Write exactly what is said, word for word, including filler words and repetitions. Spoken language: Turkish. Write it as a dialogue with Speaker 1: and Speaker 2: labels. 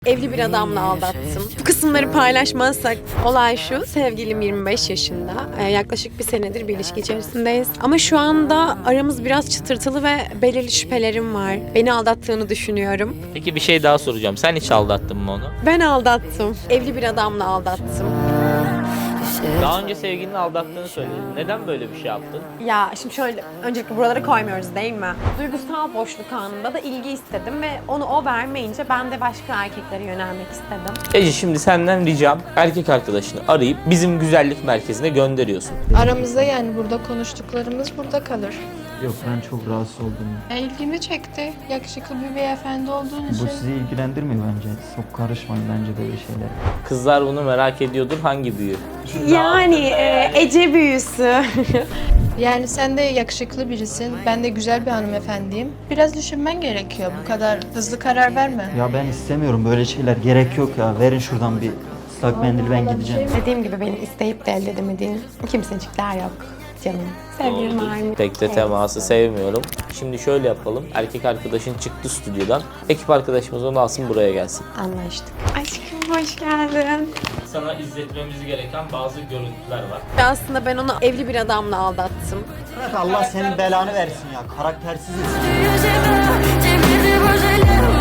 Speaker 1: Evli bir adamla aldattım. Bu kısımları paylaşmazsak olay şu. Sevgilim yirmi beş yaşında. Ee, yaklaşık bir senedir bir ilişki içerisindeyiz. Ama şu anda aramız biraz çıtırtılı ve belirli şüphelerim var. Beni aldattığını düşünüyorum.
Speaker 2: Peki bir şey daha soracağım. Sen hiç aldattın mı onu?
Speaker 1: Ben aldattım. Evli bir adamla aldattım.
Speaker 2: Daha önce sevgilini aldattığını söyledin. Neden böyle bir şey yaptın?
Speaker 1: Ya şimdi şöyle, öncelikle buralara koymuyoruz değil mi? Duygusal boşluk anında da ilgi istedim ve onu o vermeyince ben de başka erkeklere yönelmek istedim.
Speaker 2: Ece, şimdi senden ricam erkek arkadaşını arayıp bizim güzellik merkezine gönderiyorsun.
Speaker 3: Aramızda yani burada konuştuklarımız burada kalır.
Speaker 4: Yok, ben çok rahatsız oldum.
Speaker 3: Ya ilgimi çekti. Yakışıklı bir beyefendi olduğun
Speaker 4: Bu
Speaker 3: için.
Speaker 4: sizi ilgilendirmiyor bence. Çok karışmayın bence böyle şeyler.
Speaker 2: Kızlar bunu merak ediyordur. Hangi büyü?
Speaker 1: Yani e, Ece büyüsü.
Speaker 3: Yani sen de yakışıklı birisin. Ben de güzel bir hanımefendiyim. Biraz düşünmen gerekiyor. Bu kadar hızlı karar verme.
Speaker 4: Ya ben istemiyorum böyle şeyler. Gerek yok ya. Verin şuradan bir ıslak mendil, ben gideceğim.
Speaker 1: Dediğim gibi beni isteyip de elde edemediğin kimsecikler yok canım. Sevgilim var mı?
Speaker 2: Tek de teması sevmiyorum. Şimdi şöyle yapalım. Erkek arkadaşın çıktı stüdyodan. Ekip arkadaşımız onu alsın, buraya gelsin.
Speaker 1: Anlaştık. Aşkım hoş geldin.
Speaker 2: Sana izletmemiz gereken bazı görüntüler var.
Speaker 1: Aslında ben onu evli bir adamla aldattım.
Speaker 4: Allah senin belanı versin ya. Karaktersiz insan.
Speaker 5: J'ai peur, j'ai pris des projets